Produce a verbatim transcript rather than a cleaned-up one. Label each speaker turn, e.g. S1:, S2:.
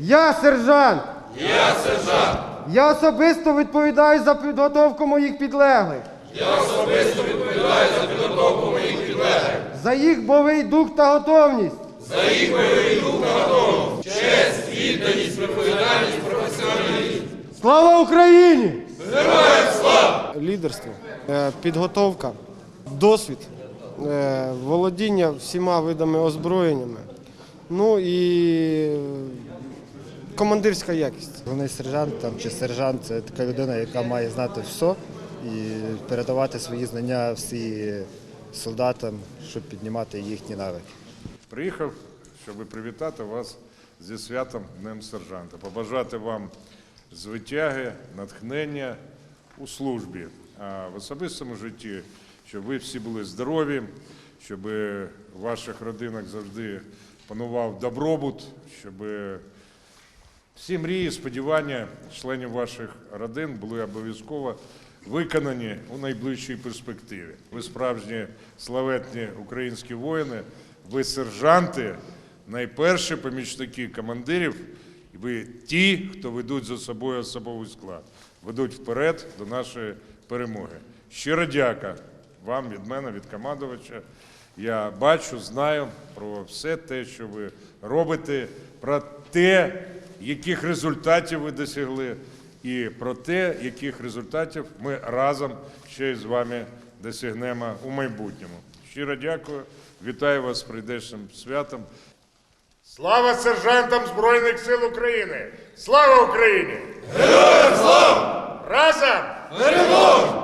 S1: Я сержант.
S2: Я сержант.
S1: Я особисто відповідаю за підготовку моїх підлеглих.
S2: Я особисто відповідаю за підготовку моїх підлеглих.
S1: За їх бойовий дух та готовність.
S2: За їх бойовий дух та готовність. Честь, відданість, відповідальність, професіоналізм.
S1: Слава Україні!
S2: Героям слава!
S1: Лідерство, е, підготовка, досвід, е, володіння всіма видами озброєннями, ну і командирська якість.
S3: Головний сержант там, чи сержант – це така людина, яка має знати все і передавати свої знання всі солдатам, щоб піднімати їхні навики.
S4: Приїхав, щоб привітати вас зі святом Днем сержанта, побажати вам звитяги, натхнення у службі, а в особистому житті, щоб ви всі були здорові, щоб в ваших родинах завжди панував добробут, щоб всі мрії, сподівання членів ваших родин були обов'язково виконані у найближчій перспективі. Ви справжні славетні українські воїни, ви сержанти, найперші помічники командирів, і ви ті, хто ведуть за собою особовий склад, ведуть вперед до нашої перемоги. Щиро дяка вам від мене, від командувача. Я бачу, знаю про все те, що ви робите, про те, яких результатів ви досягли, і про те, яких результатів ми разом ще й з вами досягнемо у майбутньому. Щиро дякую, вітаю вас з прийдешнім святом. Слава сержантам Збройних сил України! Слава Україні!
S2: Героям слава!
S4: Разом!
S2: Перемога!